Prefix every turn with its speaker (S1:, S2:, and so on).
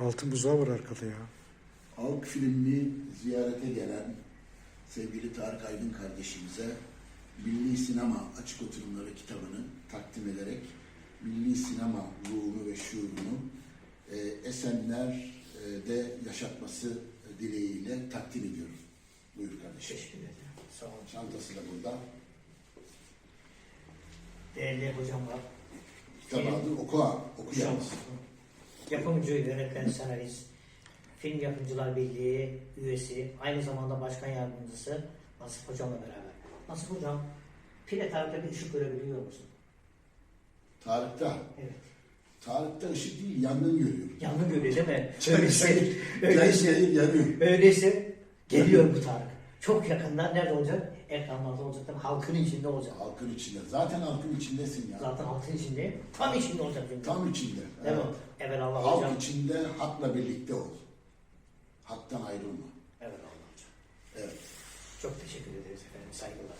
S1: Altın buzağı var arkada ya.
S2: Halk filmini ziyarete gelen sevgili Tarık Aydın kardeşimize Milli Sinema Açık Oturumları kitabını takdim ederek milli sinema ruhunu ve şuurunu Esenler'de yaşatması dileğiyle takdim ediyorum. Buyur kardeşim.
S3: Teşekkür ederim. Sağ olun.
S2: Çantası da burada.
S3: Değerli hocamlar,
S2: Kitabı adı oku yalnız.
S3: yapımcı, yönetmen, senarist, Film Yapımcılar Birliği üyesi, aynı zamanda başkan yardımcısı Nasip Hocam'la beraber. Nasip Hocam, pile tarihte bir ışık görebiliyor musun?
S2: Tarık'ta.
S3: Evet.
S2: Tarık'ta ışık değil, yangın görüyorum.
S3: Yangın görüyor değil mi?
S2: Çevresel
S3: öyleyse,
S2: yanıyor.
S3: öyleyse geliyor bu Tarık. Çok yakında nerede olacak? Ekranlarda olacak. Tabii halkın içinde olacak.
S2: Halkın içinde. Zaten halkın içindesin ya.
S3: Zaten halkın içinde, tam içinde olacak. Çünkü.
S2: Tam içinde.
S3: Değil mi? Evelallah
S2: Halk
S3: hocam.
S2: içinde hakla birlikte ol. Haktan ayrılma.
S3: Evelallah hocam.
S2: Evet.
S3: Çok teşekkür ederiz efendim. Saygılar.